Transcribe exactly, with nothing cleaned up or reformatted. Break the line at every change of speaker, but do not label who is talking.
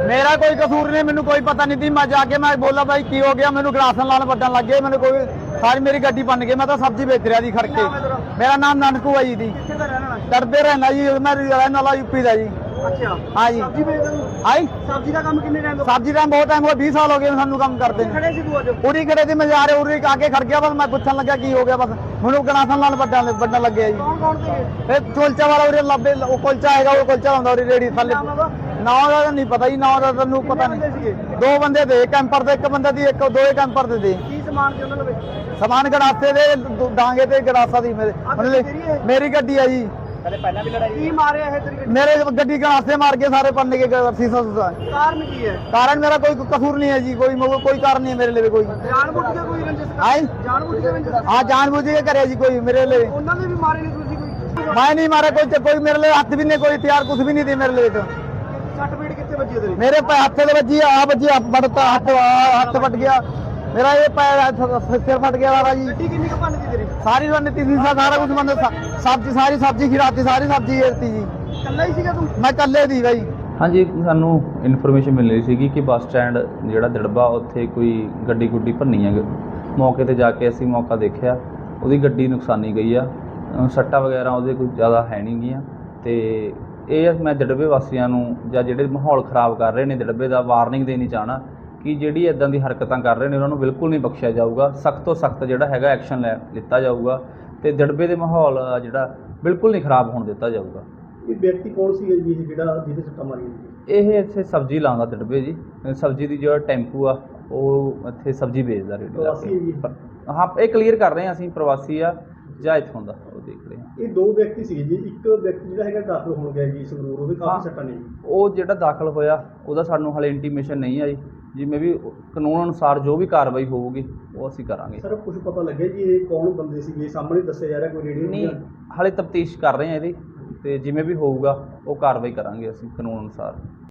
मेरा कोई कसूर नहीं, मैंने कोई पता नहीं थी। मैं जाके मैं बोला भाई की हो गया, मैंने गलासन लाल बटन लग गए, मैंने कोई सारी मेरी गड्डी बन गई। मैं तो सब्जी बेच रहा जी खड़ के। मेरा नाम नानकू है जी। डरते रहना जी, मैं रहने वाला यूपी का जी।
अच्छा
हाँ जी।
सब्जी बेचदा तूं?
आई
सब्जी का काम कितने टाइम
सब्जी टाइम बहुत टाइम हो बीस साल हो गए सानू काम करते हैं।
खड़े सी तू अज
पूरी खड़े थी, मैं जा रहे उरी आके खड़ गया। बस मैं पूछन लगा की हो गया, बस मैंने गलासन लाल बटन बटन लग गया जी।
कौन कौन थे
ਇਹ ਕੁਲਚਾ ਵਾਲਾ ਉਰੇ ਲੱਭੇ, ਉਹ ਕੁਲਚਾ ਹੈਗਾ, ਉਹ ਕੁਲਚਾ ਹੁੰਦਾ ਉਰੇ ਰੇੜੀ ਥੱਲੇ।
ਨਾਮ ਉਹਦਾ?
ਨਾਂ ਦਾ ਨਹੀਂ ਪਤਾ ਜੀ, ਨਾਂ ਦਾ ਤੈਨੂੰ ਪਤਾ
ਬੰਦੇ
ਨਹੀਂ।
ਸੀਗੇ?
ਦੋ ਬੰਦੇ ਦੇ ਕੈਂਪਰ ਦੇ, ਇੱਕ ਬੰਦੇ ਦੀ ਇੱਕ ਦੋਏ ਕੈਂਪਰ ਦੇ ਦੇ
ਕੀ ਸਮਾਨ ਸੀ ਉਹਨਾਂ ਲਵੇ?
ਸਮਾਨ ਗੜਾਸੇ ਦੇ ਦ- ਡਾਂਗੇ ਤੇ ਗੜਾਸਾ ਦੀ ਮੇਰੇ ਮਤਲਬ ਮੇਰੀ ਗੱਡੀ ਆ ਜੀ।
ਕਦੇ ਪਹਿਲਾਂ ਵੀ ਲੜਾਈ ਕੀ ਮਾਰਿਆ ਇਹ ਤੇਰੀ ਗੱਡੀ?
ਮੇਰੇ ਗੱਡੀ ਗੜਾਸੇ ਮਾਰ ਕੇ ਸਾਰੇ ਪੰਨੇ ਕੇ ਸੀਸਾ ਸੁਸਾ।
ਕਾਰਨ ਕੀ ਹੈ?
ਕਾਰਨ ਮੇਰਾ ਕੋਈ ਕਸੂਰ ਨਹੀਂ ਹੈ ਜੀ, ਕੋਈ ਮਤਲਬ ਕੋਈ ਕਾਰਨ ਨਹੀਂ ਹੈ ਮੇਰੇ ਲਈ ਕੋਈ।
ਜਾਣਬੁੱਝ ਕੇ ਕੋਈ ਰੰਜਿਸ਼ ਕਰ-
ਆਈ
ਜਾਣਬੁੱਝ ਕੇ ਰੰਜਿਸ਼
ਹਾਂ ਜਾਣ ਬੁੱਝ ਕੇ ਕਰਿਆ ਜੀ ਕੋਈ ਮੇਰੇ ਲਈ।
ਉਹਨਾਂ ਨੇ ਵੀ ਮਾਰੇ ਨਹੀਂ ਤੁਸੀਂ ਕੋਈ?
ਮੈਂ ਨਹੀਂ ਮਾਰਿਆ ਕੋਈ, ਤੇ ਕੋਈ ਮੇਰੇ ਲਈ ਹੱਥ ਵੀ ਨਹੀਂ, ਕੋਈ ਹਥਿਆਰ ਕੁਝ ਵੀ ਨਹੀਂ ਦੇ ਮੇਰੇ ਲਈ। ਤਾਂ
ਸੱਟ ਪੀੜ ਕਿੱਥੇ ਵੱਜੀ ਤੇਰੀ?
ਮੇਰੇ ਪੈ ਹੱਥੇ ਦੇ ਵੱਜੀ ਆ ਵੱਜੀ ਆ ਬੜਤਾ ਹੱਥ ਆਹ ਹੱਥ ਫਟ ਗਿਆ ਮੇਰਾ, ਇਹ ਪੈਰ ਹੱਥ- ਸਿਰ ਫਟ ਗਿਆ ਵਾਲਾ ਜੀ।
ਗੱਡੀ ਕਿੰਨੀ ਕੁ ਭੰਨ ਗਈ ਤੇਰੀ?
ਸਾਰੀ ਰਣ ਤੀ ਸਾਰਾ ਕੁਝ ਬੰਦ ਸਬਜ਼ੀ ਸਾਰੀ ਸਬਜ਼ੀ ਖਿਰਾਤੀ ਸਾਰੀ ਸਬਜ਼ੀ ਏਰਤੀ ਜੀ।
ਇਕੱਲਾ ਹੀ ਸੀਗਾ ਤੂੰ?
ਮੈਂ ਕੱਲੇ ਦੀ ਬਾਈ।
ਹਾਂਜੀ, ਸਾਨੂੰ ਇਨਫੋਰਮੇਸ਼ਨ ਮਿਲ ਰਹੀ ਸੀਗੀ ਕਿ ਬੱਸ ਸਟੈਂਡ ਜਿਹੜਾ ਦਿੜਬਾ ਉੱਥੇ ਕੋਈ ਗੱਡੀ ਗੁੱਡੀ ਭੰਨੀ ਹੈ। ਮੌਕੇ ਤੇ ਜਾ ਕੇ ਅਸੀਂ ਮੌਕਾ ਦੇਖਿਆ, ਉਹਦੀ ਗੱਡੀ ਨੁਕਸਾਨੀ ਗਈ ਆ। ਅ, ਸੱਟਾਂ ਵਗੈਰਾ ਉਹਦੇ ਕੋਈ ਜ਼ਿਆਦਾ ਹੈ ਨਹੀਂ ਗੀਆਂ। ਤੇ ਇਹ ਮੈਂ ਦਿੜਬੇ ਵਾਸੀਆਂ ਨੂੰ ਜਾਂ ਜਿਹੜੇ ਮਾਹੌਲ ਖਰਾਬ ਕਰ ਰਹੇ ਨੇ ਦਿੜਬੇ ਦਾ ਵਾਰਨਿੰਗ ਦੇਣੀ ਚਾਹਣਾ ਕਿ ਜਿਹੜੀ ਇੱਦਾਂ ਦੀ ਹਰਕਤਾਂ ਕਰ ਰਹੇ ਨੇ ਉਹਨਾਂ ਨੂੰ ਬਿਲਕੁਲ ਨਹੀਂ ਬਖਸ਼ਿਆ ਜਾਊਗਾ। ਸਖਤ ਤੋਂ ਸਖਤ ਜਿਹੜਾ ਹੈਗਾ ਐਕਸ਼ਨ ਲੈ ਲਿੱਤਾ ਜਾਊਗਾ ਤੇ ਦਿੜਬੇ ਦੇ ਮਾਹੌਲ ਆ ਜਿਹੜਾ ਬਿਲਕੁਲ ਨਹੀਂ ਖਰਾਬ ਹੋਣ ਦਿੱਤਾ ਜਾਊਗਾ।
ਇਹ ਵਿਅਕਤੀ ਕੌਣ ਸੀ ਜੀ ਜਿਹੜਾ ਜਿਹਦੇ ਸੱਟਾਂ ਮਾਰੀਆਂ?
ਇਹ ਇੱਥੇ ਸਬਜ਼ੀ ਲਾਉਂਦਾ ਦਿੜਬੇ ਜੀ। ਸਬਜ਼ੀ ਦੀ ਜਿਹੜਾ ਟੈਂਪੂ ਆ ਉਹ ਇੱਥੇ ਸਬਜ਼ੀ ਵੇਚਦਾ ਰੇੜੀ ਲਾ
ਪ੍ਰਵਾਸੀ ਹੈ ਜੀ?
ਕੇ। ਹਾਂ, ਇਹ ਕਲੀਅਰ ਕਰ ਰਹੇ ਹਾਂ ਅਸੀਂ ਪ੍ਰਵਾਸੀ ਆ ਜਾਂ ਇੱਥੋਂ ਦਾ, ਉਹ ਦੇਖ ਰਹੇ ਹਾਂ।
ਇਹ ਦੋ ਵਿਅਕਤੀ ਸੀਗੇ ਜੀ, ਇੱਕ ਵਿਅਕਤੀ ਜਿਹੜਾ ਹੈਗਾ ਦਾਖਲ ਹੋਣ ਗਿਆ ਜੀ ਸੰਗਰੂਰ, ਉਹਦੇ
ਹਾਂ।
ਕਾਫੀ ਸੱਟਾਂ ਨੇ ਜੀ।
ਉਹ ਜਿਹੜਾ ਦਾਖਲ ਹੋਇਆ ਉਹਦਾ ਸਾਨੂੰ ਹਾਲੇ ਇੰਟੀਮੇਸ਼ਨ ਨਹੀਂ ਆਈ। ਜਿਵੇਂ ਵੀ ਕਾਨੂੰਨ ਅਨੁਸਾਰ ਜੋ ਵੀ ਕਾਰਵਾਈ ਹੋਊਗੀ ਉਹ ਅਸੀਂ ਕਰਾਂਗੇ।
ਸਰ ਕੁਝ ਪਤਾ ਲੱਗਿਆ ਜੀ ਇਹ ਕੌਣ ਬੰਦੇ ਸੀਗੇ? ਸਾਹਮਣੇ ਦੱਸਿਆ ਜਾ ਰਿਹਾ ਕੋਈ ਰੇਡੀਓ
ਨਹੀਂ, ਹਾਲੇ ਤਫਤੀਸ਼ ਕਰ ਰਹੇ ਹਾਂ ਇਹਦੀ, ਤੇ ਜਿਵੇਂ ਵੀ ਹੋਊਗਾ ਉਹ ਕਾਰਵਾਈ ਕਰਾਂਗੇ ਅਸੀਂ ਕਾਨੂੰਨ ਅਨੁਸਾਰ।